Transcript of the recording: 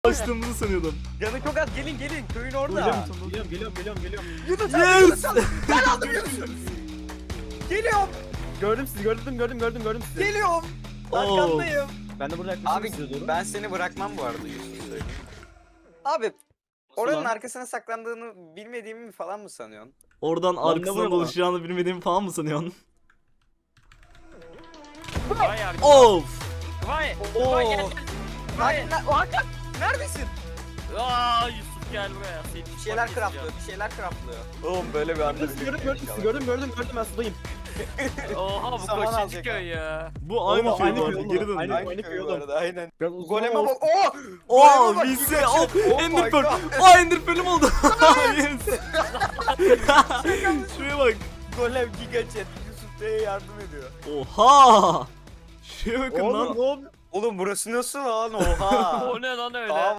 Açtığımızı sanıyordum. Canı çok az, gelin köyün Öyle orada. mi? Tamam. Geliyorum. Yunus Yes! ben aldım Yunus'u. Geliyorum Gördüm sizi, gördüm sizi. geliyorum. Oo. Arkandayım. Ben de burada yaklaşık Abi size doğru. ben seni bırakmam bu arada Yusuf söyleyeyim. Abi oranın lan? arkasına saklandığını bilmediğimi mi falan mı sanıyorsun? Oradan Lan ne arkasına vuruyor dolaşacağını bilmediğimi falan mı sanıyorsun? Vay abi. Of! Vay. Oo. Vay gel. Vay. Hakan neredesin? Aa Yusuf gel buraya. Seni Bir şeyler craftlıyor, bir şeyler craftlıyor. Oğlum böyle bir anda Gördüm ben sudayım. Oha bu Saman kaçıncı alacak köy ya? Bu aynı Oğlum, köy aynı bu köy arada. oğlum, Geri döndü. aynı- Aynı köy bu arada aynen. Biraz uzun Goleme ama bak. Oo! Oo, Goleme bak, VC. Giga Oh, Chat. Oh Ender my Pearl. God. Oh, Ender Pearl'üm oldu. Yes. Şuraya bak. Golem Giga Chat Yusuf Bey'e yardım ediyor. Oha! Şuraya bakın lan. Oğlum Oğlum burası nasıl lan? Oha. O ne lan öyle? Tamam.